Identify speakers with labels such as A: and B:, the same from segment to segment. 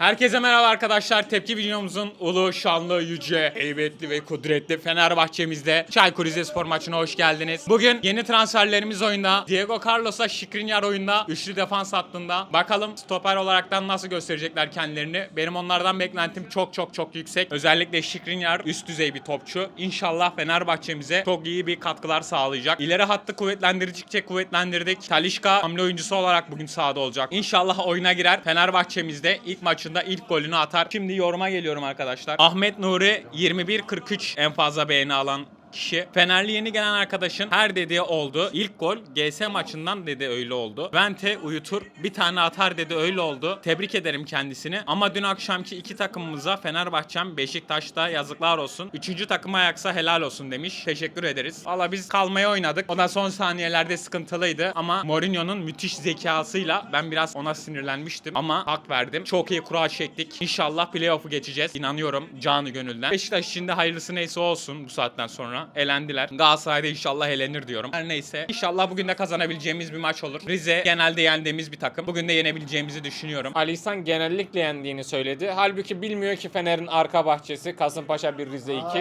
A: Herkese merhaba arkadaşlar. Tepki videomuzun ulu, şanlı, yüce, heybetli ve kudretli Fenerbahçe'mizde Çaykur Rizespor maçına hoş geldiniz. Bugün yeni transferlerimiz oyunda. Diego Carlos'a Skriniar oyunda. Üçlü defans hattında. Bakalım stoper olaraktan nasıl gösterecekler kendilerini. Benim onlardan beklentim çok yüksek. Özellikle Skriniar üst düzey bir topçu. İnşallah Fenerbahçe'mize çok iyi bir katkılar sağlayacak. İleri hattı kuvvetlendirdikçe kuvvetlendirdik. Talisca hamle oyuncusu olarak bugün sahada olacak. İnşallah oyuna girer. Fenerbahçe'mizde ilk maçında ilk golünü atar. Şimdi yoruma geliyorum arkadaşlar. Ahmet Nuri 21-43 en fazla beğeni alan kişi. Fenerli yeni gelen arkadaşın her dediği oldu. İlk gol GS maçından dedi, öyle oldu. Vente uyutur, bir tane atar dedi, öyle oldu. Tebrik ederim kendisini. Ama dün akşamki iki takımımıza Fenerbahçem, Beşiktaş'ta yazıklar olsun. Üçüncü takıma ayaksa helal olsun demiş. Teşekkür ederiz. Valla biz kalmaya oynadık. O da son saniyelerde sıkıntılıydı. Ama Mourinho'nun müthiş zekasıyla ben biraz ona sinirlenmiştim. Ama hak verdim. Çok iyi kura çektik. İnşallah playoff'u geçeceğiz. İnanıyorum canı gönülden. Beşiktaş için de hayırlısı neyse olsun bu saatten sonra. Elendiler. Galatasaray'da inşallah elenir diyorum. Her neyse. İnşallah bugün de kazanabileceğimiz bir maç olur. Rize genelde yendiğimiz bir takım. Bugün de yenebileceğimizi düşünüyorum.
B: Ali İhsan genellikle yendiğini söyledi. Halbuki bilmiyor ki Fener'in arka bahçesi Kasımpaşa 1 Rize 2.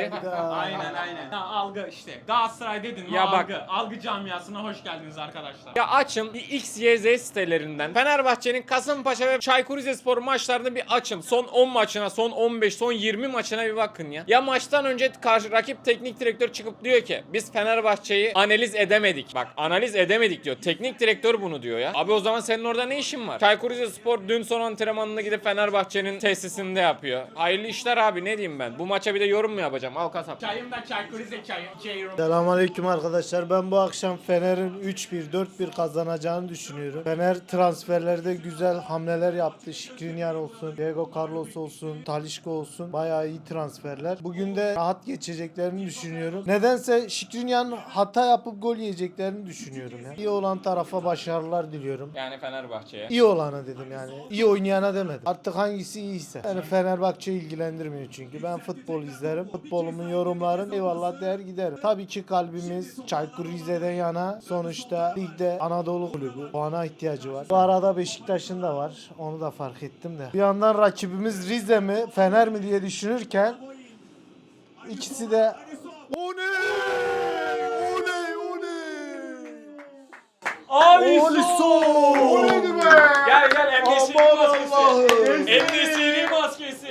A: Aynen. Ha, algı işte. Galatasaray dedin mi
B: Ya bak.
A: algı. Algı camiasına hoş geldiniz arkadaşlar.
B: Ya açın bir XYZ sitelerinden Fenerbahçe'nin Kasımpaşa ve Çaykur Rizespor maçlarını bir açın. Son 10 maçına, son 15, son 20 maçına bir bakın ya. Ya maçtan önce rakip teknik direktör çıkıp diyor ki biz Fenerbahçe'yi analiz edemedik. Bak analiz edemedik diyor. Teknik direktör bunu diyor ya. Abi o zaman senin orada ne işin var? Çaykur Rizespor dün son antrenmanını gidip Fenerbahçe'nin tesisinde yapıyor. Hayırlı işler abi, ne diyeyim ben? Bu maça bir de yorum mu yapacağım? Al kasap.
A: Çayım da Çaykur Rize çayı.
C: Selamünaleyküm arkadaşlar. Ben bu akşam Fener'in 3-1, 4-1 kazanacağını düşünüyorum. Fener transferlerde güzel hamleler yaptı. Skriniar olsun, Diego Carlos olsun, Talisca olsun. Bayağı iyi transferler. Bugün de rahat geçeceklerini düşünüyorum. Nedense Skriniar'ın hata yapıp gol yiyeceklerini düşünüyorum ya. İyi olan tarafa başarılar diliyorum.
B: Yani Fenerbahçe'ye.
C: İyi olana dedim yani. İyi oynayana demedim. Artık hangisi iyiyse. Yani Fenerbahçe ilgilendirmiyor çünkü. Ben futbol izlerim. Futbolumun yorumlarım eyvallah der giderim. Tabii ki kalbimiz Çaykur Rize'den yana. Sonuçta ligde Anadolu kulübü. Puana ihtiyacı var. Bu arada Beşiktaş'ın da var. Onu da fark ettim de. Bir yandan rakibimiz Rize mi Fener mi diye düşünürken ikisi de
B: Alisson!
C: O neydi be?
B: Gel Endesiri
C: Aman
B: maskesi.
C: Allah'ım.
B: Endesiri maskesi.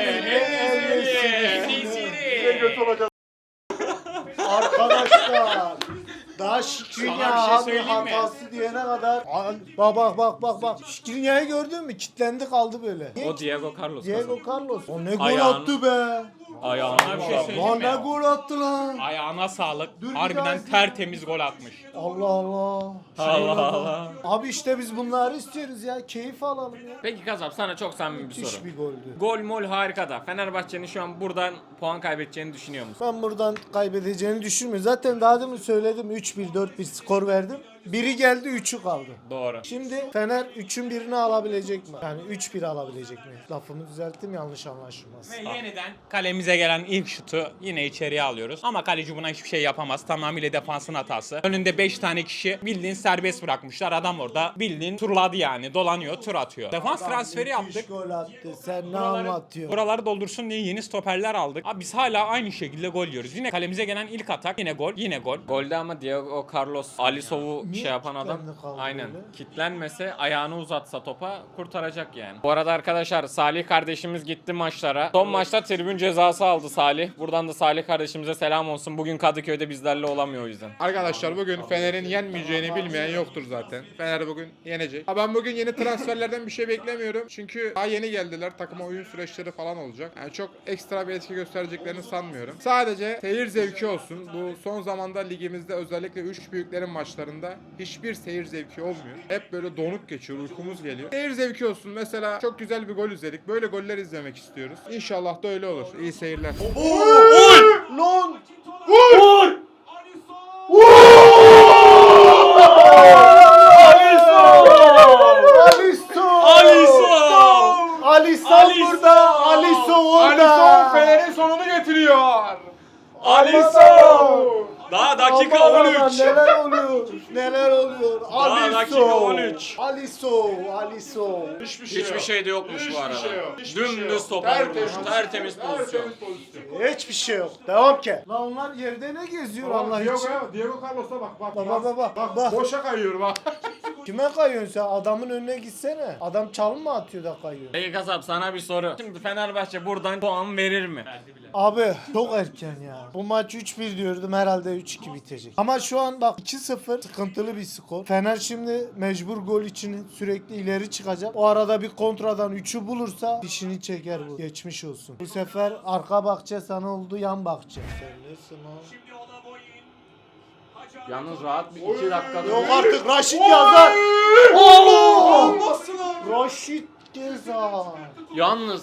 C: Arkadaşlar daha Skriniar
A: Sana bir şey söyleyeyim mi?
C: hatası diyene kadar bak Skriniar'ı gördün mü? Kitlendi kaldı böyle.
B: O Diego Carlos.
C: Diego Carlos. O ne gol
B: Ayağını-
C: attı be.
B: Ayağına
A: Sana bir şey söyleyeyim
C: Lan
A: mi?
C: ne gol attı lan.
A: Ayağına sağlık.
C: Dur, bir
A: Harbiden
C: daha-
A: tertemiz gol atmış.
C: Allah Allah.
B: Allah.
C: Abi işte biz bunları istiyoruz ya. Keyif alalım ya.
B: Peki Kasap, sana çok samimi bir
C: Müthiş
B: soru.
C: bir goldü.
B: Gol mol harika da Fenerbahçe'nin şu an buradan puan kaybedeceğini düşünüyor musun?
C: Ben buradan kaybedeceğini düşünmüyorum. Zaten daha demin söyledim 3-1 4-1 skor verdim. Biri geldi 3'ü kaldı.
B: Doğru.
C: Şimdi Fener 3'ün birini alabilecek mi? Yani 3-1 alabilecek mi? Lafımı düzelttim, yanlış anlaşılmaz.
A: Ve yeniden kalemize gelen ilk şutu yine içeriye alıyoruz. Ama kaleci buna hiçbir şey yapamaz. Tamamıyla defansın hatası. Önünde 5 tane kişi bildiğin serbest bırakmışlar. Adam orada bildiğin turladı yani. Dolanıyor, tur atıyor. Defans transferi yaptık.
C: Gol attı. Sen ne anlatıyorsun?
A: Buraları doldursun diye yeni stoperler aldık. Abi biz hala aynı şekilde gol yiyoruz. Yine kalemize gelen ilk atak yine gol, yine gol.
B: Golde ama Diego Carlos Alisson'u
C: Niye
B: şey yapan adam
C: kilitlendi kaldı
B: aynen
C: böyle?
B: kitlenmese ayağını uzatsa topa kurtaracak yani. Bu arada arkadaşlar Salih kardeşimiz gitti maçlara. Son maçta tribün cezası aldı Salih. Buradan da Salih kardeşimize selam olsun. Bugün Kadıköy'de bizlerle olamıyor o yüzden.
D: Arkadaşlar bugün Fener'in yenmeyeceğini bilmeyen yoktur zaten. Fener bugün yenecek. Ha, ben bugün yeni transferlerden bir şey beklemiyorum. Çünkü daha yeni geldiler. Takıma oyun süreçleri falan olacak. Yani çok ekstra bir etki göstereceklerini sanmıyorum. Sadece seyir zevki olsun. Bu son zamanda ligimizde özellikle 3 büyüklerin maçlarında hiçbir seyir zevki olmuyor. Hep böyle donuk geçiyor. Uykumuz geliyor. Seyir zevki olsun. Mesela çok güzel bir gol izledik. Böyle goller izlemek istiyoruz. İnşallah da öyle olur. İyi seyirler.
C: Lan! Alisson burada! Alisson orada!
D: Alisson Fener'in sonunu getiriyor.
B: Alisson! Daha dakika
C: Aman aman,
B: 13.
C: neler oluyor? Neler oluyor? Alisson!
B: dakika 13.
C: Aliso.
B: Hiçbir şey de yokmuş bu arada.
D: yok. Hiçbir şey
B: Dümdüz
D: yok.
B: topa vurmuş. Tertemiz pozisyon.
C: Hiçbir şey yok. Devam ki. Lan onlar yerde ne geziyor Allah için?
D: Diego Carlos'a bak.
C: Bak.
D: Boşa kayıyor bak.
C: Kime kayıyorsun sen? Adamın önüne gitsene. Adam çalım mı atıyor da kayıyor?
B: Peki kasap sana bir soru. Şimdi Fenerbahçe buradan puan verir mi?
C: Abi çok erken ya. Bu maç 3-1 diyordum, herhalde 3-2 bitecek. Ama şu an bak 2-0 sıkıntılı bir skor. Fener şimdi mecbur gol için sürekli ileri çıkacak. O arada bir kontradan 3'ü bulursa dişini çeker bu. Geçmiş olsun. Bu sefer arka bahçe sana oldu, yan bahçe. Sen nesin o?
B: Yalnız rahat bir 2 dakikada.
C: Yok artık Raşit yazar. Oo! Raşit Gezal.
B: Yalnız.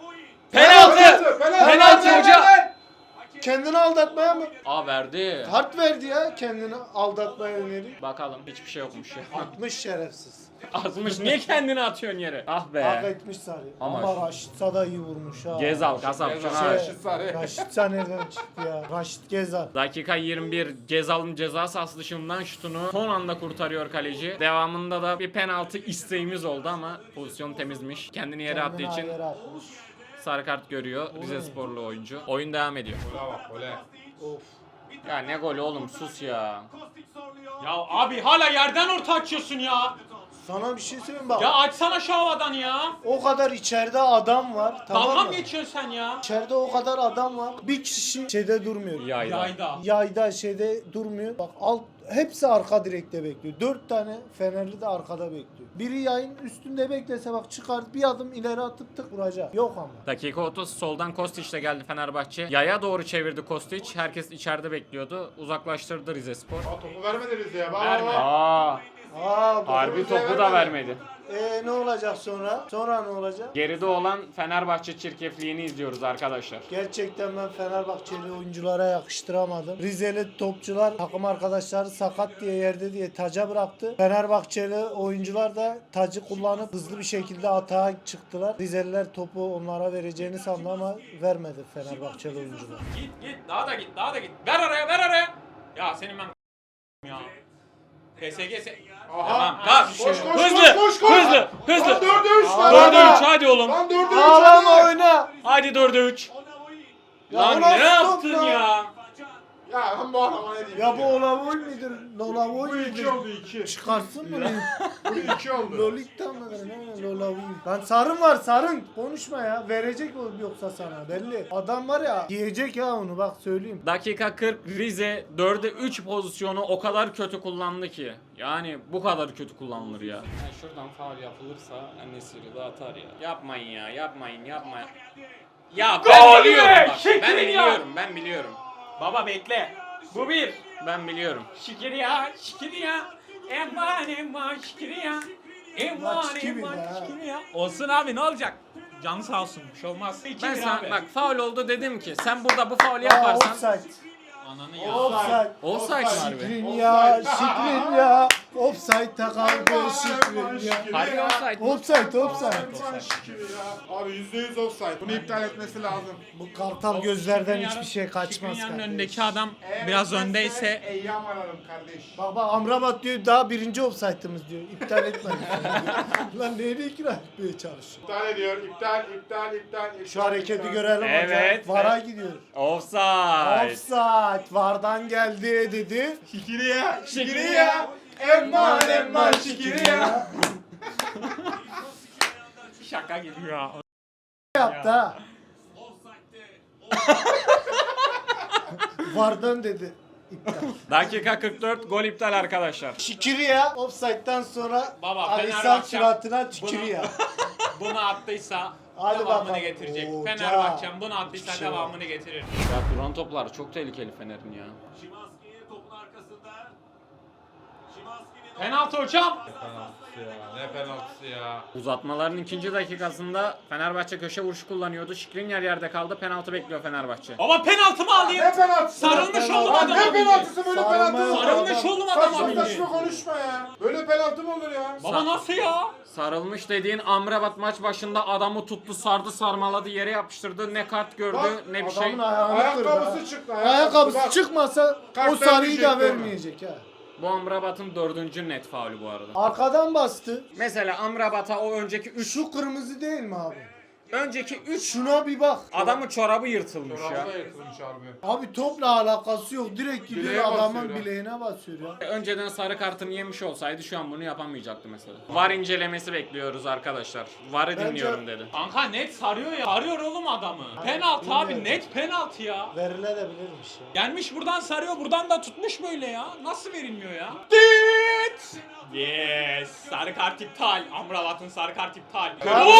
B: Penaltı! Penaltı hoca!
C: Kendini aldatmaya mı?
B: Aa verdi.
C: Kart verdi ya, kendini aldatmaya yönelik.
B: Bakalım hiçbir şey yokmuş ya.
C: 60 şerefsiz.
B: Atmış. Niye kendini atıyorsun yere? Ah
C: Hak
B: be.
C: etmiş Sarı.
B: Ama
C: Ama Raşitsa da iyi vurmuş ha.
B: Gezal kasap.
D: Gezal.
B: şuna.
D: Raşit Sarı.
C: Raşitsa nereden çıktı ya? Raşit Gezal.
B: Dakika 21 Gezal'ın ceza sahası dışından şutunu son anda kurtarıyor kaleci. Devamında da bir penaltı isteğimiz oldu ama pozisyon temizmiş. Kendini yere attığı
C: Kendini
B: için
C: yere atmış.
B: sarı kart görüyor Rize Sporlu oyuncu. Oyun devam ediyor.
D: Gole bak gole.
C: Of.
B: Ya ne golü oğlum sus ya.
A: Ya abi hala yerden orta açıyorsun ya.
C: Sana bir şey söyleyeyim bak.
A: Ya açsana şu havadan ya.
C: O kadar içeride adam var.
A: Dalga
C: Tamam
A: mı
C: mı?
A: geçiyorsun sen ya?
C: İçeride o kadar adam var. Bir kişi şeyde durmuyor.
A: Yayda.
C: Yayda şeyde durmuyor. Bak hepsi arka direkte bekliyor. 4 tane Fenerli de arkada bekliyor. Biri yayın üstünde beklese bak çıkar bir adım ileri atıp tık vuracak. Yok ama.
B: Dakika 30 soldan Kostić de geldi Fenerbahçe. Yaya doğru çevirdi Kostić. Herkes içeride bekliyordu. Uzaklaştırdı Rize Spor.
D: Topu vermedi Rize'ye.
A: Verme.
B: Aa,
C: Aa,
B: harbi topu da vermedi.
C: ne olacak sonra? Sonra ne olacak?
B: Geride olan Fenerbahçe çirkefliğini izliyoruz arkadaşlar.
C: Gerçekten ben Fenerbahçeli oyunculara yakıştıramadım. Rizeli topçular takım arkadaşları sakat diye yerde diye taca bıraktı. Fenerbahçeli oyuncular da tacı kullanıp hızlı bir şekilde atağa çıktılar. Rizeliler topu onlara vereceğini sandı ama vermedi Fenerbahçeli oyuncular.
A: Git daha da git daha da git. Ver araya. Ya senin ben ya. PSG Tamam kalk.
D: Koş
B: Hızlı.
D: Lan 4'e 3 lan.
B: 4'e 3 hadi oğlum.
D: Lan 4'e 3
C: Ağlama
D: hadi.
C: oyna.
B: Hadi 4'e 3.
C: Ya
B: Lan
C: bu
B: ne
C: nasıl
B: yaptın
C: top
B: ya?
D: Ya ben bu adama ne diyeyim?
C: Ya bu Olavoy midir? Olavoy
D: Bu 2
C: midir?
D: oldu 2.
C: Çıkarsın bunu.
D: Bu 2 oldu.
C: Lolik'ten mi? Ne Olavoy? Lan sarın var sarın. Konuşma ya. Verecek o yoksa sana belli. Adam var ya yiyecek ya onu bak söyleyeyim.
B: Dakika 40 Rize 4'e 3 pozisyonu o kadar kötü kullandı ki. Yani bu kadar kötü kullanılır ya. Şuradan faul yapılırsa Enesiri de atar ya. Yapmayın ya yapmayın. Ya ben biliyorum bak. Ben biliyorum.
A: Baba bekle. Bu bir.
B: Ben biliyorum.
A: Şikiriya. Eman şikiriya.
C: Maç gibi ya.
A: Şikiriya. Olsun abi ne olacak? Canı sağ olsun. Bir şey olmaz.
B: Ben
A: abi.
B: sana bak faul oldu dedim ki sen burada bu faul
C: Aa,
B: yaparsan
C: offside.
A: Ananı ya.
C: Offside.
B: offside mi harbi?
C: Şikrin ya. Offside'da kaldı Şikrin ya.
B: Harbi offside mi?
C: Offside.
D: Şükür ya. Abi %100 offside. Bunu iptal etmesi lazım.
C: Bu kartal gözlerden hiçbir şey kaçmaz
A: Şikrinyar'ın
C: kardeş.
A: önündeki adam biraz öndeyse
D: Eyyam ararım kardeş.
C: Bak Amrabat diyor daha birinci offside'ımız diyor. İptal etmedi. Lan neyini ikna etmeye çalışıyor?
D: İptal ediyor. İptal.
C: Şu hareketi görelim
B: Evet.
C: hocam. VAR'a gidiyor.
B: Offside.
C: Offside. VAR'dan geldi dedi.
D: Şikiriya. Emman şikiriya.
A: şaka gibi ya.
C: Yaptı ha. VAR'dan dedi. İptal.
B: Dakika 44 gol iptal arkadaşlar.
C: Şikiriya offside'dan sonra
A: Baba,
C: Alisal
A: Fenerbahçe
C: suratına tükürüyor.
A: Bunu attıysa
C: Hadi
A: devamını
C: bakalım.
A: getirecek.
C: Oo,
A: Fenerbahçe'm bunu attıysa
C: Hiçbir şey
A: devamını getirir.
B: Ya duran toplar çok tehlikeli Fener'in ya.
A: Penaltı hocam.
D: Ne penaltısı ya.
B: Uzatmaların ikinci dakikasında Fenerbahçe köşe vuruşu kullanıyordu. Skriniar yerde kaldı. Penaltı bekliyor Fenerbahçe.
A: Baba penaltı mı alayım?
D: Ne penaltısı?
A: Sarılmış oğlum
D: Lan
A: adam.
D: ne penaltısı böyle
C: Sarılma
D: penaltı
C: yok.
D: mı?
A: Sarılmış oğlum adam
D: Saçma
A: abi.
D: saçma konuşma ya. Böyle penaltı mı olur ya?
A: Baba nasıl ya?
B: Sarılmış dediğin Amrabat maç başında adamı tuttu, sardı, sarmaladı, yere yapıştırdı. Ne kart gördü,
D: Bak,
B: ne bir şey.
C: Adamın ayağını kırdı.
D: Ayakkabısı
C: ha.
D: çıktı.
C: Ayakkabısı
D: Bak.
C: çıkmasa
D: Kart
C: o sarıyı da
D: vermeyecek
C: vermeyecek ha.
B: Bu Amrabat'ın 4. net faulü bu arada.
C: Arkadan bastı.
B: Mesela Amrabat'a o önceki 3
C: Şu kırmızı değil mi abi?
B: önceki 3
C: Şuna bir bak.
B: adamın çorabı yırtılmış ya.
D: Çorabı da yırtılmış harbi.
C: Abi topla alakası yok. Direkt gidiyor
D: Bileğe
C: adamın
D: basıyor ya.
C: bileğine basıyor ya.
B: Önceden sarı kartını yemiş olsaydı şu an bunu yapamayacaktı mesela. VAR incelemesi bekliyoruz arkadaşlar. VAR'ı
C: Bence-
B: dinliyorum dedi.
A: Kanka net sarıyor ya. Sarıyor oğlum adamı. Penaltı abi,
C: bilmiyorum.
A: net penaltı ya.
C: Verilebilirmiş ya.
A: Gelmiş buradan sarıyor, buradan da tutmuş böyle ya. Nasıl verilmiyor ya? Dit! Yes! Sarı kart iptal. Amrabat'ın sarı kart iptal.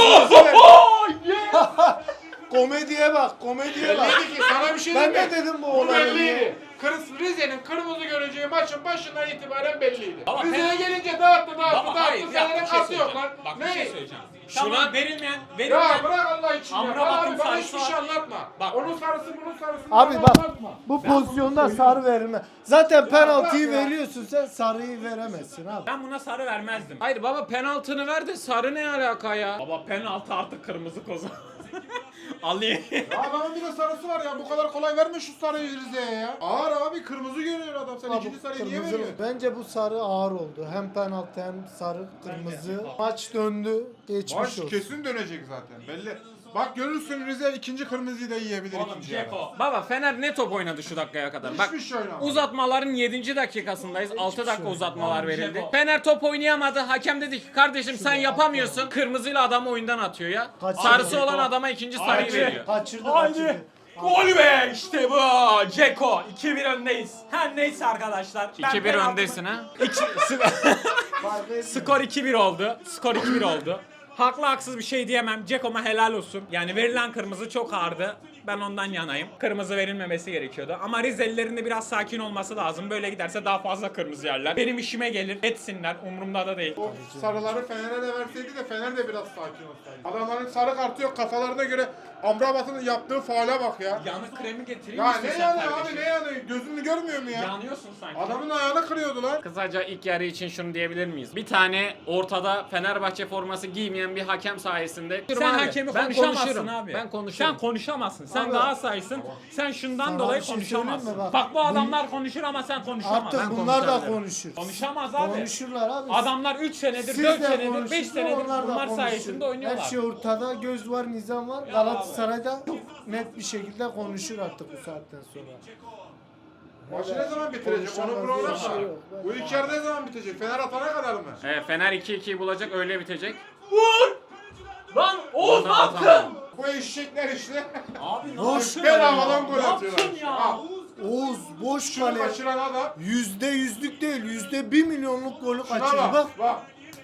A: Oh! Yes!
C: Komediye bak, komediye bak.
D: Belliydi ki sana bir şey
C: Ben
D: diyeyim
C: ne
D: mi?
C: dedim bu
D: Bu
C: olayı
D: belliydi.
C: diye?
D: Rize'nin kırmızı göreceği maçın başından itibaren belliydi.
A: Baba,
D: Rize'ye gelince dağıttı.
A: Baba hayır ya,
D: Fener'in
A: bir şey
D: kası yok
A: söyleyeceğim.
D: lan.
A: Bak bir
D: Ne?
A: şey söyleyeceğim.
B: Şuna-
A: Tamam verilmeyen,
D: Ya
A: verilmeyen.
D: bırak Allah için ya.
A: Amrabat'ın
D: Abi bana
A: sarısı
D: hiçbir şey
A: var.
D: anlatma.
A: Bak.
D: Onun sarısı bunun sarısı.
C: Abi
D: bana
C: bak,
D: anlatma.
C: bu pozisyonda sarı verilme. Zaten penaltıyı
D: bırak ya.
C: veriyorsun, sen sarıyı veremezsin abi.
A: Ben buna sarı vermezdim.
B: Hayır baba penaltını ver de sarı ne alaka ya?
A: Baba penaltı artık kırmızı kozu. Alayım.
D: Ya adamın bir de sarısı var ya. Bu kadar kolay verme şu sarıyı Rize'ye ya. Ağır abi kırmızı görüyor adam. Sen
C: Abi,
D: ikinci sarıyı niye
C: kırmızı-
D: veriyorsun?
C: Bence bu sarı ağır oldu. Hem penaltı hem sarı, kırmızı. Maç döndü, geçmiş
D: Maç
C: olsun.
D: kesin dönecek zaten belli. Bak görürsün Rize ikinci kırmızıyı da yiyebilir
A: Oğlum
D: ikinci yarı.
A: Ceko.
B: Baba Fener ne top oynadı şu dakikaya kadar? Bak
D: Hiçbir şey oynamadı.
B: uzatmaların 7. dakikasındayız. 6 dakika
C: şey
B: uzatmalar
A: Oğlum,
B: verildi.
A: Ceko.
B: Fener top oynayamadı. Hakem dedi ki kardeşim sen yapamıyorsun. Kırmızıyla adamı oyundan atıyor ya.
C: Kaçırdı.
B: Sarısı olan adama ikinci sarıyı
A: Haydi.
B: veriyor.
C: Kaçırdı,
A: Haydi.
C: kaçırdı.
A: Gol be işte bu. Ceko 2-1 öndeyiz. Her neyse arkadaşlar. Ben
B: 2-1
A: penaltımı-
B: öndesin ha.
C: Fark etmiyor.
A: Skor 2-1 oldu. Skor 2-1 oldu. Haklı haksız bir şey diyemem. Ceko'ma helal olsun. Yani verilen kırmızı çok ağırdı. Ben ondan yanayım. Kırmızı verilmemesi gerekiyordu. Ama Rizelilerin de biraz sakin olması lazım. Böyle giderse daha fazla kırmızı yerler. Benim işime gelir. Etsinler. Umurumda da değil.
D: O sarıları Fener'e de verseydi de Fener de biraz sakin olsaydı. Adamların sarı kartı yok kafalarına göre Amrabat'ın yaptığı faale bak ya.
A: Yanık kremi getireyim
D: Ya
A: misin
D: ne
A: sen
D: yanıyor
A: kardeşim?
D: abi ne yanıyor? Gözünü görmüyor mu ya?
A: Yanıyorsun sanki.
D: Adamın ayağını kırıyordu lan.
B: Kısaca ilk yarı için şunu diyebilir miyiz? Bir tane ortada Fenerbahçe forması giymeyen bir hakem sayesinde.
A: Sen
B: Abi,
A: hakemi
B: ben
A: konuşamazsın
B: konuşurum.
A: abi.
B: Ben konuşurum.
A: Sen konuşamazsın. Sen
C: Abi,
A: Galatasaray'sın. Sen şundan
C: sana
A: dolayı
C: bir şey söyleyeyim mi?
A: konuşamazsın.
C: Bak,
A: Bak bu adamlar konuşur ama sen konuşamazsın.
C: Artık bunlar da
B: konuşabilirim.
C: konuşur.
A: Konuşamaz abi.
C: Konuşurlar abi.
A: Adamlar 3 senedir,
C: Siz
A: 4
C: de
A: senedir,
C: konuşun,
A: 5 senedir
C: onlar da
A: bunlar
C: konuşsun.
A: sayesinde oynuyorlar.
C: Her şey ortada, göz var, nizam var. Galatasaray'da çok net bir şekilde konuşur artık bu saatten sonra.
D: Maçı ne zaman bitirecek? Onu
C: Konuşamaz
D: program
C: diye bir şey
D: var.
C: yok.
D: Bu ilk yarı ne zaman bitecek? Fener atana kadar mı?
B: Fener 2-2'yi bulacak öyle bitecek.
A: Vur! Lan Oğuz ne
B: Ondan
A: yaptın?
B: atamam.
D: Bu eşekler işte.
A: Abi ne
C: Boş
A: yaptın?
D: bedavadan gol
A: Ne
D: atıyorlar.
A: yaptın ya?
D: Al.
C: Oğuz boş
D: Şunu
C: kale.
D: kaçıran adam.
C: %100'lük değil, %1 milyonluk golü
D: Şuna
C: kaçırdı bak.
D: bak. Bak.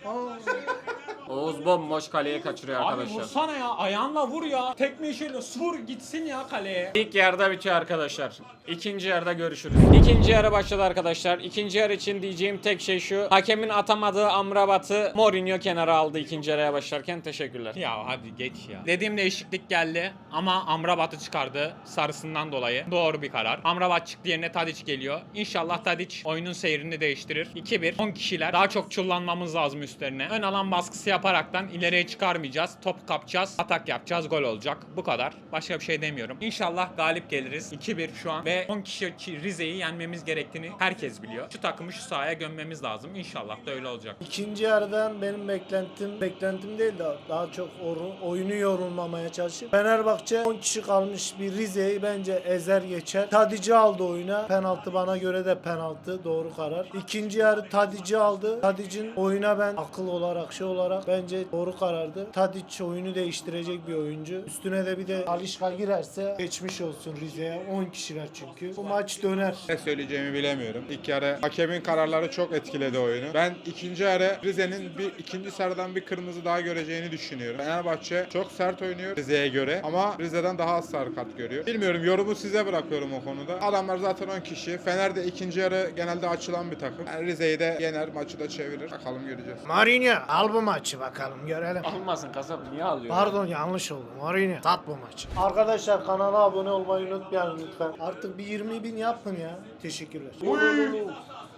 B: Oğuz bomboş kaleye kaçırıyor
A: Abi
B: arkadaşlar.
A: vursana ya, ayağınla vur ya. Tekme işiyle vur gitsin ya kaleye.
B: İlk yarıda bitiyor arkadaşlar. İkinci yarıda görüşürüz. İkinci yarı başladı arkadaşlar. İkinci yarı için diyeceğim tek şey şu. Hakemin atamadığı Amrabat'ı Mourinho kenara aldı ikinci yarıya başlarken. Teşekkürler.
A: Ya hadi geç ya. Dediğim değişiklik geldi ama Amrabat'ı çıkardı sarısından dolayı. Doğru bir karar. Amrabat çıktı yerine Tadic geliyor. İnşallah Tadic oyunun seyrini değiştirir. 2-1. 10 kişiler. Daha çok çullanmamız lazım üstlerine. Ön alan baskısı yaparaktan ileriye çıkarmayacağız. Top kapacağız. Atak yapacağız. Gol olacak. Bu kadar. Başka bir şey demiyorum. İnşallah galip geliriz. 2-1 şu an ve 10 kişi Rize'yi yenmemiz gerektiğini herkes biliyor. Şu takımı şu sahaya gömmemiz lazım. İnşallah da öyle olacak.
C: İkinci yarıdan benim beklentim değil de daha çok oyunu yorulmamaya çalışıp Fenerbahçe 10 kişi kalmış bir Rize'yi bence ezer geçer. Tadic'i aldı oyuna. Penaltı bana göre de penaltı. Doğru karar. İkinci yarı Tadic'i aldı. Tadic'in oyuna ben akıl olarak şey olarak bence doğru karardı. Tadic oyunu değiştirecek bir oyuncu. Üstüne de bir de Alişka girerse geçmiş olsun Rize'ye. 10 kişiler çünkü. Bu maç döner.
D: Ne söyleyeceğimi bilemiyorum. İlk yarı hakemin kararları çok etkiledi oyunu. Ben ikinci yarı Rize'nin ikinci sarıdan bir kırmızı daha göreceğini düşünüyorum. Fenerbahçe çok sert oynuyor Rize'ye göre ama Rize'den daha az sarı kart görüyor. Bilmiyorum, yorumu size bırakıyorum o konuda. Adamlar zaten 10 kişi. Fener de ikinci yarı genelde açılan bir takım. Yani Rize'yi de yener, maçı da çevirir. Bakalım göreceğiz.
C: Mourinho al bu maçı bakalım görelim.
B: Almasın kasap niye alıyor?
C: Pardon yanlış oldu. Mourinho tat bu maçı. Arkadaşlar kanala abone olmayı unutmayın lütfen. Artık bir 20.000 yapın ya. Teşekkürler.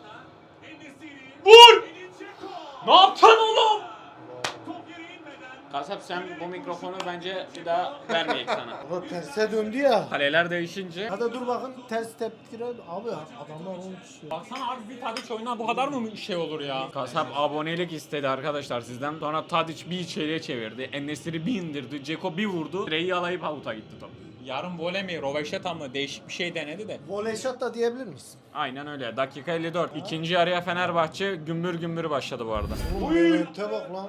A: Vur! Ne yaptın oğlum?
B: Kasap sen bu mikrofonu bence bir daha vermeyek sana.
C: Baba terse döndü ya.
B: Kaleler değişince.
C: Hadi dur bakın ters tepkire. Abi adamlar 10 kişi.
A: Baksana abi bir Tadiç oyuna bu kadar mı şey olur ya?
B: Kasap abonelik istedi arkadaşlar sizden. Sonra Tadic bir içeriye çevirdi. En-Nesyri bir indirdi. Ceko bir vurdu. Direği yalayıp avuta gitti top.
A: Yarın voley mi, roveşata mı değişik bir şey denedi de.
C: Voley shot da diyebilir misin?
B: Aynen öyle. Dakika 54. İkinci yarıya Fenerbahçe gümbür gümbür başladı bu arada.
C: Te bak lan.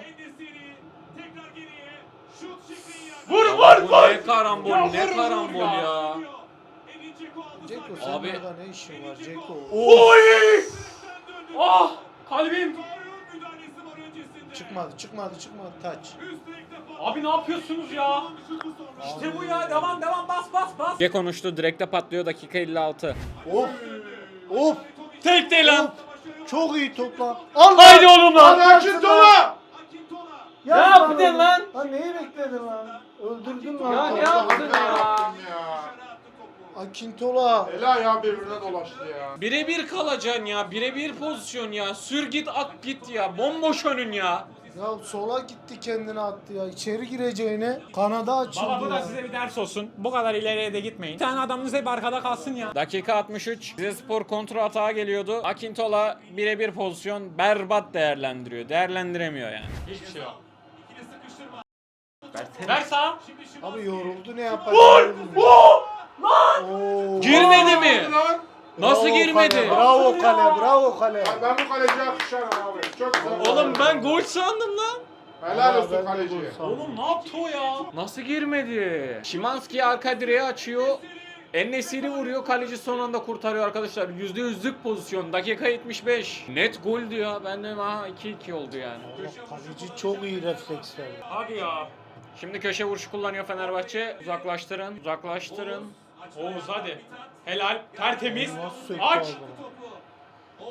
B: Vur vur! Ne karambol, ne karambol ya.
C: Ceko
B: Abi.
C: senin orada ne işin var Ceko?
B: Oy! Ah! Kalbim!
C: Çıkmadı taç.
A: Abi ne yapıyorsunuz ya? İşte bu ya, devam bas.
B: Ne konuştu? Direkte patlıyor dakika 56.
C: Of.
B: Tek değil lan.
C: Çok iyi topla. Al
B: Haydi oğlum lan.
D: Akintola!
C: Ya
B: Ne yaptın lan?
C: Lan neyi bekledin lan? Öldürdün lan.
B: Ya ne yaptın ya?
C: Akintola.
D: El ayağı birbirine dolaştı ya.
B: Birebir kalacaksın ya. Birebir pozisyon ya. Sür git at git ya. Bomboş önün ya.
C: Ya sola gitti kendini attı ya. İçeri gireceğine kanada açıldı
A: Baba bu da
C: ya.
A: size bir ders olsun. Bu kadar ileriye de gitmeyin. Bir tane adamınız hep arkada kalsın ya.
B: Dakika 63. Rizespor kontra atağa geliyordu. Akintola birebir pozisyon berbat değerlendiriyor. Değerlendiremiyor yani.
A: Hiçbir şey yok. Ver sağa.
C: Abi yoruldu ne yapacak? Oo.
B: Girmedi mi?
D: Lan!
B: Nasıl
C: Bravo
B: girmedi?
C: Kale, bravo kale, bravo kale.
D: Ben bu kaleciye alkışlarım abi. Çok güzel.
B: Oğlum ben gol sandım lan.
D: Helal
C: Ben
D: olsun
C: de
D: kaleciye.
C: gol sandım.
A: Oğlum ne yaptı o ya?
B: Nasıl girmedi? Şimanski arka direğe açıyor. En-Nesyri vuruyor. Kaleci son anda kurtarıyor arkadaşlar. %100'lük pozisyon. Dakika 75. Net goldü ya. Ben de 2-2 oldu yani.
C: Allah, kaleci çok iyi refleks verdi.
A: Hadi ya.
B: Şimdi köşe vuruşu kullanıyor Fenerbahçe. Uzaklaştırın. Uzaklaştırın.
A: Oğuz hadi. Helal. Tertemiz.
C: Nasıl söktü
A: Aç.
C: abi?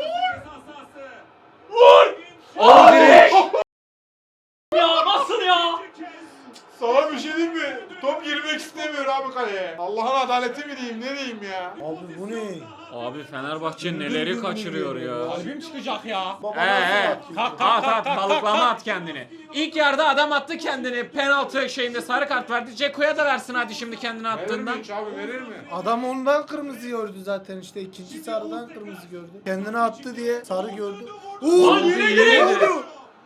B: O direk.
A: Ya nasıl ya?
D: Sana bir şey diyeyim mi? Top girmek istemiyor abi kaleye. Allah'ın adaleti mi diyeyim ne diyeyim ya?
C: Abi bu ne?
B: Abi Fenerbahçe neleri kaçırıyor ya.
A: Kalbim çıkacak ya.
C: Baba
B: He
C: nasıl
B: he.
C: atıyor?
A: Kalk,
B: At at
A: kalk,
B: balıklama
A: kalk.
B: at kendini. İlk yarıda adam attı kendini. Penaltı şeyinde sarı kart verdi. Ceko'ya da versin hadi şimdi kendini
D: Verir mi
B: attığından.
D: hiç abi verir mi?
C: Adam ondan kırmızı gördü zaten işte ikinci sarıdan kırmızı gördü. Kendini attı diye sarı gördü. Oo!
A: Lan yine girdi.
C: oldu?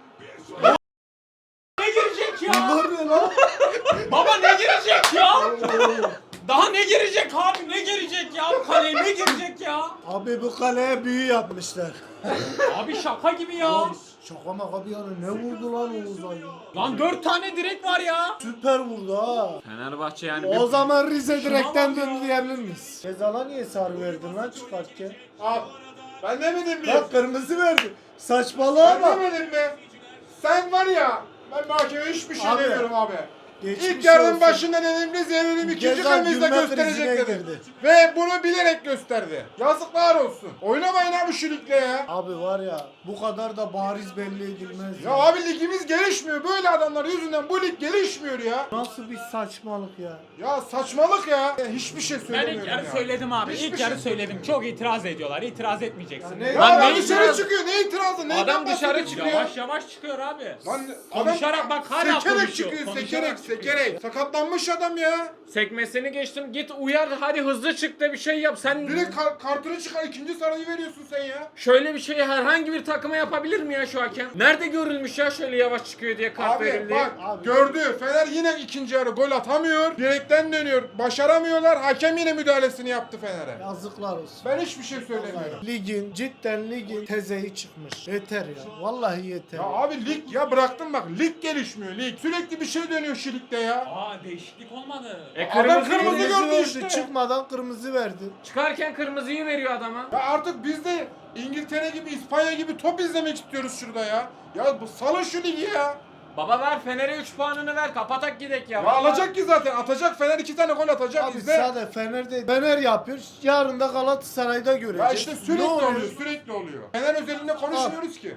A: Ne girecek ya?
C: Bunlar ne lan?
A: Baba ne girecek ya? Daha ne girecek abi? Ne girecek ya? Bu kaleye ne girecek ya?
C: Abi bu kaleye büyü yapmışlar.
A: Abi şaka gibi ya.
C: Şaka maka bir yana ne vurdu lan Oğuz Ay?
A: Lan 4 tane direk var ya.
C: Süper vurdu ha.
B: Fenerbahçe yani
C: O
B: bir...
C: zaman Rize direkten
A: bak ya.
C: döndü diyebilir miyiz? Cezala niye sarı verdin lan çıkarken?
D: Al. Ben demedim mi?
C: Bak kırmızı verdi. Saçmalığa
D: Ben
C: bak.
D: demedim mi? Sen var ya. Ben mahkemeye hiçbir şey
C: Abi,
D: demiyorum abi.
C: Geçmiş
D: İlk yarının
C: olsun.
D: başında dedim biz yenelim ikinci
C: Ceza
D: kırmızıda
C: gülme
D: gösterecek
C: krizine
D: dedim.
C: girdi.
D: Ve bunu bilerek gösterdi. Yazıklar olsun. Oynamayın abi şu ligle ya.
C: Abi var ya bu kadar da bariz belli edilmez.
D: Ya abi ligimiz gelişmiyor. Böyle adamlar yüzünden bu lig gelişmiyor ya.
C: Nasıl bir saçmalık ya.
D: Ya saçmalık ya. Hiçbir şey
A: Ben
D: söylemiyorum
A: ilk yarı
D: ya.
A: söyledim abi.
D: Hiçbir
A: İlk yarı
D: şey-
A: söyledim. Çok itiraz ediyorlar. İtiraz etmeyeceksin.
C: Ya ne-
D: Ya
B: Lan
D: adam
B: ne
D: dışarı
B: itiraz-
D: çıkıyor. Ne itirazı? Neyden
B: Adam dışarı
D: bahsediyorsun
B: çıkıyor.
D: ya?
A: Yavaş yavaş çıkıyor abi.
D: Lan
A: Konuşarak bak hala
D: sekerek
A: konuşuyor.
D: çıkıyor.
A: Konuşarak
D: Sekerek. Sakatlanmış adam ya.
B: Sekmesini geçtim git uyar hadi hızlı çık da bir şey yap. Sen
D: Direkt kartını çıkar. İkinci sarıyı veriyorsun sen ya.
B: şöyle bir şeyi herhangi bir takıma yapabilir mi ya şu hakem? Nerede görülmüş ya şöyle yavaş çıkıyor diye kart
D: Abi
B: verildi.
D: bak
C: Abi.
D: gördü. Fener yine ikinci yarı gol atamıyor. Direkten dönüyor. Başaramıyorlar. Hakem yine müdahalesini yaptı Fener'e.
C: Yazıklar olsun.
D: Ben hiçbir şey söylemiyorum.
C: Cidden ligin tezeyi çıkmış. Yeter ya. Vallahi yeter.
D: Ya abi lig ya bıraktım bak. Lig gelişmiyor lig. Sürekli bir şey dönüyor şu ligde ya.
A: Aa değişiklik olmadı.
D: Adam kırmızı
C: Kırmızı
D: gördü
C: verdi.
D: işte.
C: Çıkmadan kırmızı verdi.
B: Çıkarken kırmızıyı veriyor adama.
D: Ya artık biz de İngiltere gibi İspanya gibi top izlemek istiyoruz şurada ya. Ya bu salın şu ligi ya.
B: Baba ver Fener'e 3 puanını ver kapatak gidek ya.
D: Ya
B: Vallahi.
D: alacak ki zaten atacak Fener 2 tane gol atacak
C: Abi
D: izle.
C: sadece Fener yapıyor. Yarın da Galatasaray'da göreceğiz.
D: Ya işte sürekli
C: Ne
D: oluyor sürekli oluyor. Fener özelinde konuşmuyoruz ki.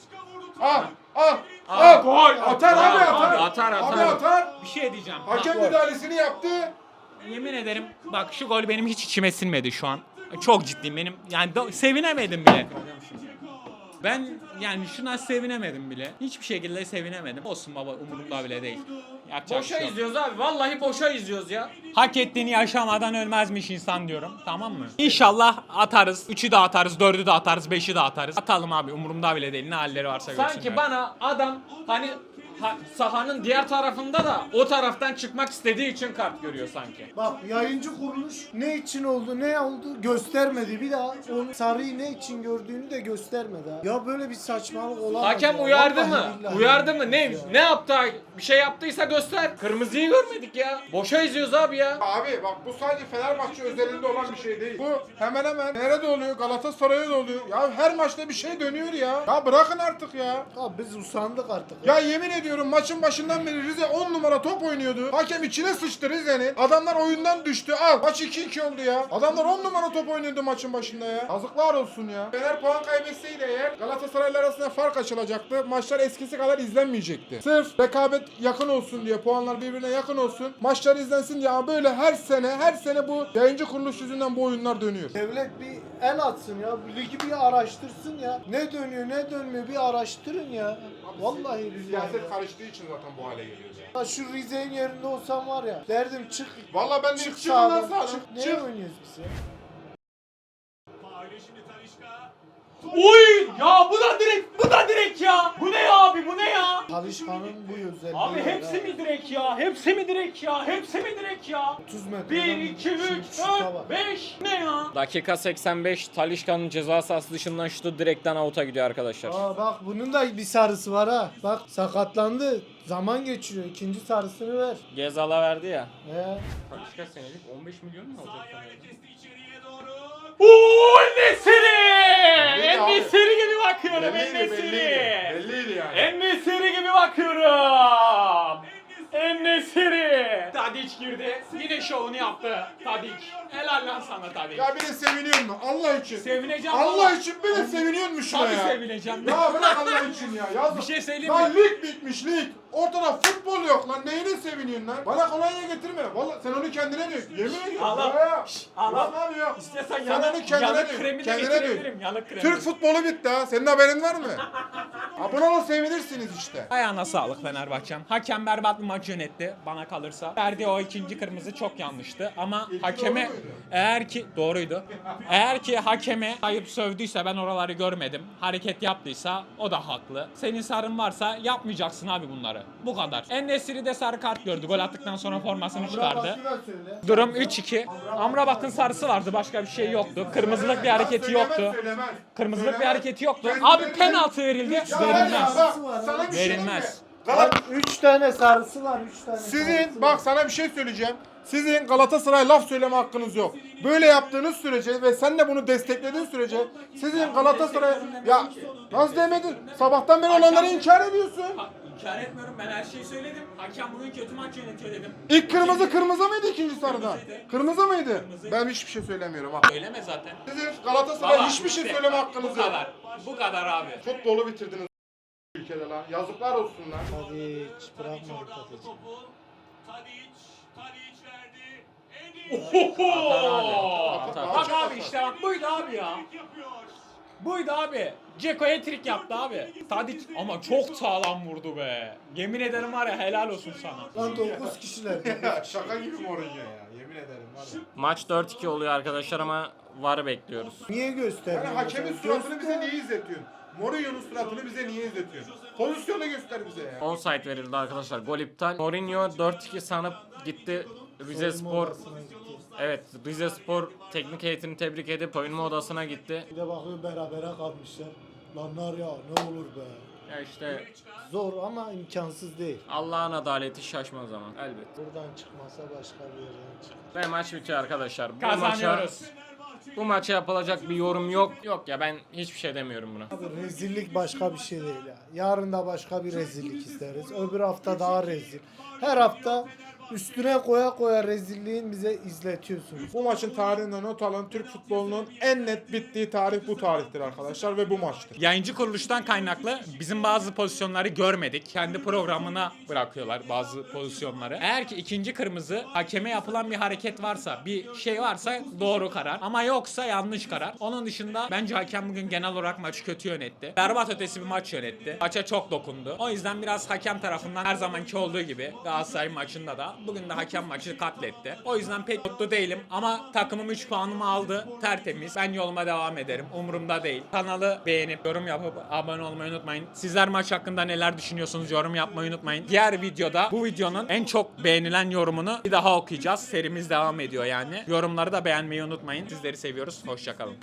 D: Al
B: Al,
D: al.
B: gol.
D: Atar abi atar.
B: Atar,
D: Abi
B: atar.
D: atar.
A: Bir şey diyeceğim.
D: Hakem
C: Bak.
D: müdahalesini yaptı.
A: Yemin ederim bak şu gol benim hiç içime sinmedi şu an. Çok ciddiyim benim. Yani sevinemedim bile. Ben yani şuna sevinemedim bile. Hiçbir şekilde sevinemedim. Olsun baba, umurumda bile değil. Yapacak bir
B: Boşa
A: şey yok.
B: izliyoruz abi. Vallahi boşa izliyoruz ya.
A: Hak ettiğini yaşamadan ölmezmiş insan diyorum. Tamam mı? İnşallah atarız. 3'ü de atarız, 4'ü de atarız, 5'i de atarız. Atalım abi, umurumda bile değil. Ne halleri varsa görsünler.
B: Sanki bana adam hani sahanın diğer tarafında da o taraftan çıkmak istediği için kart görüyor sanki.
C: Bak yayıncı kuruluş ne için oldu ne oldu göstermedi. Bir daha onu sarıyı ne için gördüğünü de göstermedi ha. Ya böyle bir saçmalık olamaz.
B: Hakem
C: ya.
B: uyardı
C: Vallahi
B: mı?
C: billahi
B: Uyardı mı?
C: ya.
B: Ne yaptı? Bir şey yaptıysa göster. Kırmızıyı görmedik ya. Boşa izliyoruz abi ya.
D: Abi bak bu sadece Fenerbahçe özelinde olan bir şey değil. Bu hemen hemen nerede oluyor? Galatasaray'da da oluyor. Ya her maçta bir şey dönüyor ya. Ya bırakın artık ya.
C: Ya biz usandık artık.
D: Ya yemin ediyorum maçın başından beri Rize 10 numara top oynuyordu. Hakem içine sıçtı Rize'nin. Adamlar oyundan düştü. Al maç 2-2 oldu ya. Adamlar 10 numara top oynuyordu maçın başında ya. Yazıklar olsun ya. Fener puan kaybetseydi eğer Galatasaray'la arasında fark açılacaktı. Maçlar eskisi kadar izlenmeyecekti. Sırf rekabet yakın olsun diye, puanlar birbirine yakın olsun. Maçlar izlensin diye ama böyle her sene bu yayıncı kuruluş yüzünden bu oyunlar dönüyor.
C: Devlet bir el atsın ya. Ligi bir araştırsın ya. Ne dönüyor ne dönmüyor bir araştırın ya. Vallahi billahi.
D: Siyaset
C: Ya.
D: karıştığı için zaten bu hale geliyor ya.
C: Ya şu Rize'nin yerinde olsam var ya. Derdim çık.
D: Vallahi ben de
C: Çık
D: çıkın lan
C: sağdan.
D: sağdan.
C: Çık. Ne
D: Çık.
C: oynuyoruz biz ya?
A: Oy! Ya bu da direkt ya. Bu ne ya abi, bu ne ya?
C: Talişkan'ın bu özelliği.
A: Abi
C: var
A: hepsi
C: ha.
A: mi direkt ya? Hepsi mi direkt ya? Hepsi mi direkt ya?
C: 30 metre.
A: 1, 2, 3, 4, 5. Ne ya?
B: Dakika 85 Talisca'nın ceza sahası dışından şutu direkten out'a gidiyor arkadaşlar.
C: Aa bak bunun da bir sarısı var ha. Bak sakatlandı. Zaman geçiriyor. İkinci sarısını ver.
B: Gezal'a verdi ya.
C: He.
B: Talisca senelik 15 milyon mu alacak?
A: Ooo En-Nesyri!
D: Belliydi abi.
A: En-Nesyri gibi bakıyorum,
D: Belliydi,
A: En-Nesyri.
D: Belliydi yani.
A: En-Nesyri gibi bakıyorum. En-Nesyri. Tadic girdi. Yine şovunu yaptı Tadic. Helal lan sana Tadic.
D: Ya bir de seviniyor mu? Allah için.
A: Sevineceğim
D: Allah
A: valla.
D: için bir de seviniyor mu şuna
A: Tabii
D: ya?
A: sevineceğim.
D: Ya bırak Allah için ya. Yazık.
A: Bir şey söyleyeyim
D: Lan
A: mi?
D: lig bitmiş lig. Ortada futbol yok lan. Neyine seviniyorsun lan? Bana kolonya getirme. Vallahi sen onu kendine dök. Yemin ediyorum.
A: Allah.
D: Ya.
A: Allah.
D: Ulan abi ya.
A: İstiyorsan
D: Sen
A: yanık,
D: onu kendine
A: yanık
D: dök.
A: kremi de
D: Kendine dök.
A: getirebilirim. Yanık kremi.
D: Türk futbolu bitti ha. Senin haberin var mı? Ha buna da sevinirsiniz işte.
A: Ayağına sağlık Fenerbahçem. Hakem berbat bir maç yönetti bana kalırsa. Verdiği o ikinci kırmızı çok yanlıştı ama hakeme
D: doğru muydu?
A: eğer ki doğruydu. Eğer ki hakeme ayıp sövdüyse, ben oraları görmedim. Hareket yaptıysa o da haklı. Senin sarın varsa yapmayacaksın abi bunları. Bu kadar. En-Nesyri de sarı kart gördü. Gol attıktan sonra formasını çıkardı.
C: Şuna söyle.
A: Durum 3-2. Amrabat'ın sarısı vardı. Başka bir şey yoktu. Kırmızılık bir hareketi yoktu.
D: Söylemez.
A: Kırmızılık bir
D: Söylemez.
A: hareketi yoktu.
D: Kendine-
A: Abi penaltı verildi.
D: Ya var ya,
A: Verilmez.
D: bak, sana bir şey diyeyim mi?
A: Verilmez.
C: Bak 3 tane sarısı var. 3 tane sarısı
D: Sizin
C: var.
D: bak sana bir şey söyleyeceğim. Sizin Galatasaray laf söyleme hakkınız yok. Böyle yaptığınız sürece ve sen de bunu desteklediğin sürece sizin Galatasaray ya nasıl demedin? Sabahtan beri olanları inkar ediyorsun.
A: İnkar etmiyorum, ben her şeyi söyledim. Hakem bugün kötü maç yönetiyor dedim.
D: İlk kırmızı mıydı ikinci sarıda? Kırmızı mıydı? Ben hiçbir şey söylemiyorum ha.
A: Söyleme zaten.
D: Sizin Galatasaray
A: Baba,
D: hiçbir şey
A: işte,
D: söyleme
A: Bu
D: hakkınız yok.
A: kadar. Bu kadar abi.
D: Futbolu bitirdiniz ülkede lan. Yazıklar olsun lan.
C: Hadi hiç bırakmadık Tadic.
A: Ohoho! Bak abi, işte bak buydu abi ya. Buydu abi. Ceko hat-trick yaptı abi. Tadic ama çok sağlam vurdu be. Yemin ederim var ya, helal olsun sana.
C: Lan 9 kişiler.
D: Şaka gibi Mourinho ya. Yemin ederim var ya.
B: Maç 4-2 oluyor arkadaşlar ama VAR bekliyoruz.
C: Niye göstermiyorsun?
D: Yani hakemin
C: mesela?
D: suratını bize niye izletiyorsun? Mourinho'nun suratını bize niye izletiyorsun? Pozisyonu göster bize ya.
B: Offside verildi arkadaşlar. Gol iptal. Mourinho 4-2 sanıp gitti. Rize
C: Soyunma
B: Spor,
C: odasına gitti.
B: evet, Rize Spor teknik heyetini tebrik edip soyunma odasına gitti.
C: Bir de bakıyor berabere kalmışlar. Lan var ya ne olur be.
B: Ya işte
C: Zor ama imkansız değil.
B: Allah'ın adaleti şaşmaz zaman elbet.
C: Buradan çıkmasa başka bir yerden çıkar.
B: Ve maç bitiyor arkadaşlar.
A: Kazanıyoruz.
B: Bu maça yapılacak bir yorum yok. Yok ya, ben hiçbir şey demiyorum buna.
C: Abi rezillik başka bir şey değil ya. Yarın da başka bir rezillik isteriz. Öbür hafta daha rezil. Her hafta üstüne koya koya rezilliğin bize izletiyorsunuz.
D: Bu maçın tarihinde not alın. Türk futbolunun en net bittiği tarih bu tarihtir arkadaşlar ve bu maçtır.
A: Yayıncı kuruluştan kaynaklı bizim bazı pozisyonları görmedik. Kendi programına bırakıyorlar bazı pozisyonları. Eğer ki ikinci kırmızı hakeme yapılan bir hareket varsa, bir şey varsa doğru karar. Ama yoksa yanlış karar. Onun dışında bence hakem bugün genel olarak maçı kötü yönetti. Berbat ötesi bir maç yönetti. Maça çok dokundu. O yüzden biraz hakem tarafından her zamanki olduğu gibi Galatasaray maçında da bugün de hakem maçı katletti. O yüzden pek mutlu değilim ama takımım 3 puanımı aldı. Tertemiz. Ben yoluma devam ederim. Umurumda değil. Kanalı beğenip yorum yapıp abone olmayı unutmayın. Sizler maç hakkında neler düşünüyorsunuz? Yorum yapmayı unutmayın. Diğer videoda bu videonun en çok beğenilen yorumunu bir daha okuyacağız. Serimiz devam ediyor yani. Yorumları da beğenmeyi unutmayın. Sizleri seviyoruz. Hoşça kalın.